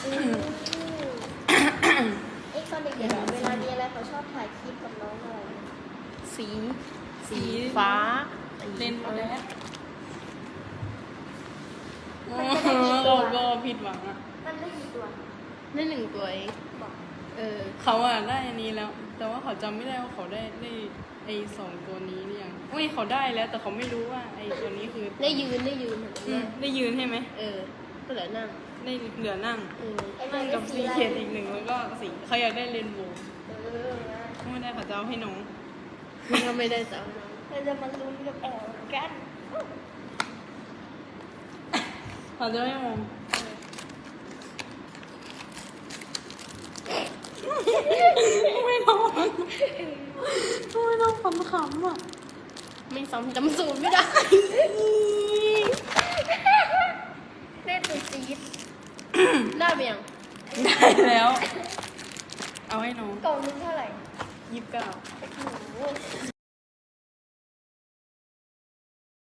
ไอ้ตอนเด็กๆเวลามีอะไรเขาชอบถ่ายคลิปกับน้องอะไรสีฟ้าเล่นมาแล้วก็ผิดหวังอ่ะมันได้กี่ตัวได้1 ตัวเองบอกเขาอ่ะได้อันนี้แล้ว แต่ว่าเขาจำไม่ได้ว่าเขาได้ไอ้2 ตัวนี้หรือยังไม่เขาได้แล้ว แต่เขาไม่รู้ว่าไอ้ตัวนี้คือได้ยืนได้ยืนใช่ไหมก็เหลือนั่งได้เหลือนั่งไอ้มันั่นงได้กับสีสีอะไรเขียดอีก 1แล้วก็สีเขาอยากได้เรนโบว์นะไม่ได้เขาจะเอาให้น้องก็ไม่ได้จ้าน้องเราจะมาลุ้นกับแอลกันเขาจะไม่มองไม่น้องไม่น้องขำๆอ่ะไม่ซ้ำจำสูตรไม่ได้เล่นตัวจี๊ดได้ไหมยังได้แล้ว เอาให้น้องกล่องนึงเท่าไหร่ 29 โอ้โห